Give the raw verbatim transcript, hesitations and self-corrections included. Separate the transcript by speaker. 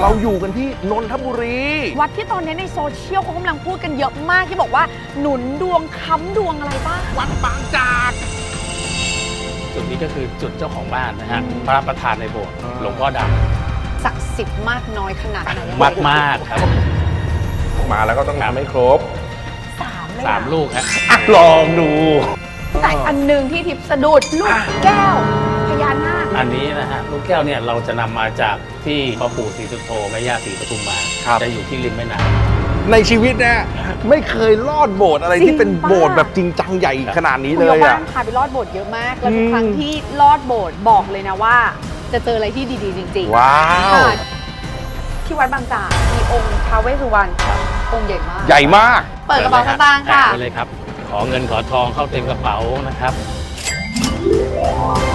Speaker 1: เราอยู่กันที่นนทบุรี
Speaker 2: วัดที่ตอนนี้ในโซเชียลเขากำลังพูดกันเยอะมากที่บอกว่าหนุนดวงค้ำดวงอะไรบ้าง
Speaker 1: วัดบางจาก
Speaker 3: จุดนี้ก็คือจุดเจ้าของบ้านนะฮะพระประธานในโบสถ์หลวงพ่อด
Speaker 2: ำศักดิ์สิทธิ์มากน้อยขนาดไหน
Speaker 3: มากมากครับ
Speaker 1: มาแล้วก็ต้องทำให้ครบ
Speaker 2: สามเลย
Speaker 3: สามลูกฮะ
Speaker 1: ลองดู
Speaker 2: แต่อันหนึ่งที่ทิพย์สะดุดลูกแก้วพญานาค
Speaker 3: อันนี้นะฮะลูกแก้วเนี่ยเราจะนำมาจากที่พ่อปู่ศรีสุโธแม่ย่าศรีปทุมมาจะอยู่ที่ริมแม่น้ำ
Speaker 1: ในชีวิตเนี่ยไม่เคยลอดโบสถ์อะไรที่เป็นโบสถ์แบบจริงจังใหญ่ขนาดนี้เลยอ่ะ
Speaker 2: พาไปลอดโบสถ์เยอะมากแล้วทุกครั้งที่ลอดโบสถ์บอกเลยนะว่าจะเจออะไรที่ดีๆจริงๆ
Speaker 1: ว้าว
Speaker 2: ที่วัดบางจากมีองค์ท้าวเวสสุวรรณองค์ใหญ่มาก
Speaker 1: ใหญ่มาก
Speaker 2: เปิดกระเป๋าสตางค์ค่ะ
Speaker 3: ไปเลยครับขอเงินขอทองเข้าเต็มกระเป๋านะครับ